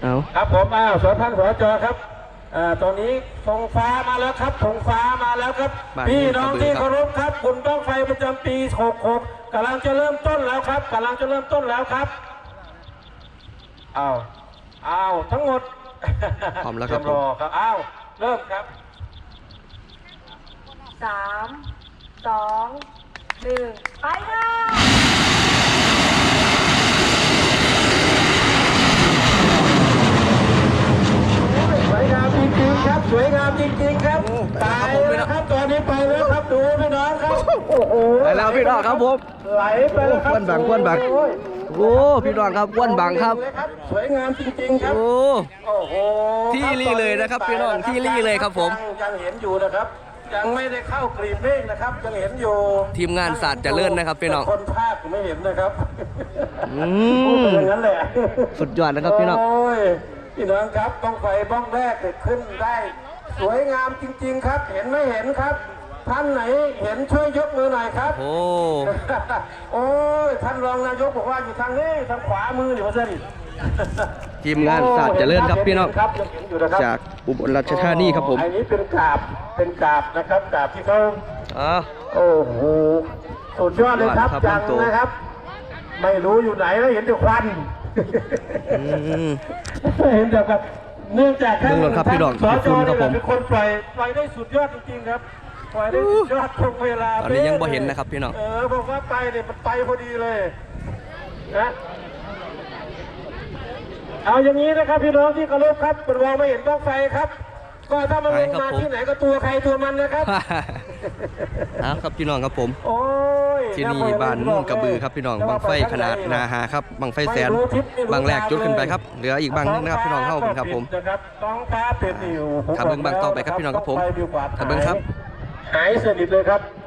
เอาครับผมสท่านสจครับตอนนี้ธงฟ้ามาแล้วครับธงฟ้ามาแล้วครับพี่น้องที่เคารพครับบุญบั้งไฟประจำปี66กำลังจะเริ่มต้นแล้วครับกำลังจะเริ่มต้นแล้วครับทั้งหมดพร้อมแล้วครับรอครับเริ่มครับ 3 2 1ไปค่ะสวยงามจริงๆครับสวยงามจริงๆครับไปแล้วครับตอนนี้ไปแล้วครับดูพี่น้องครับโอ้โหไปแล้วพี่น้องครับผมไหลไปแล้วครับควนบังโอ้พี่น้องครับควนบังครับสวยงามจริงๆครับโอ้โหที่รี่เลยนะครับพี่น้องที่รี่เลยครับผมยังเห็นอยู่นะครับยังไม่ได้เข้ากรีบเมฆนะครับยังเห็นอยู่ทีมงานศาสตร์เจริญนะครับพี่น้องคนภาคไม่เห็นนะครับอย่างนั้นแหละสุดยอดนะครับพี่น้องพี่น้องครับบ้องไฟบ้องแรกขึ้นได้สวยงามจริงๆครับเห็นไม่เห็นครับท่านไหนเห็นช่วยยกมือหน่อยครับโอ้ยท่านรองนายกบอกว่าอยู่ทางนี้ทางขวามือนี่ว่าเส้นทีมงานศาสตร์เจริญครับพี่น้องจากอุบลราชธานีครับผมอันนี้เป็นกาบนะครับกาบที่เขาโอ้โหสุดยอดเลยครับจังนะครับไม่รู้อยู่ไหนแล้วเห็นแต่ควันเห็นแบบเนื่องจากท่านสจเป็นคนปล่อยได้สุดยอดจริงๆครับปล่อยได้สุดยอดตรงเวลาตอนนี้ยังบ่เห็นนะครับพี่น้องบอกว่าไปเนี่ยมันไปพอดีเลยนะเอาอย่างนี้นะครับพี่น้องที่เคารพครับเป็นวางไม่เห็นบ้างไฟครับก็ถ้ามันลงมาที่ไหนก็ตัวใครตัวมันนะครับครับพี่น้องครับผมโอ้ยที่นี่บ้านมุ่งกระบือครับพี่น้องบังไฟขนาดนาหาครับบังไฟแสนบางแรกจุดขึ้นไปครับเหลืออีกบางนึงนะครับพี่น้องเข้าครับผมต้องฟ้าเป็นอยู่ทำเบิ้งบางต่อไปครับพี่น้องครับผมทำเบิ้งครับหายสนิทเลยครับ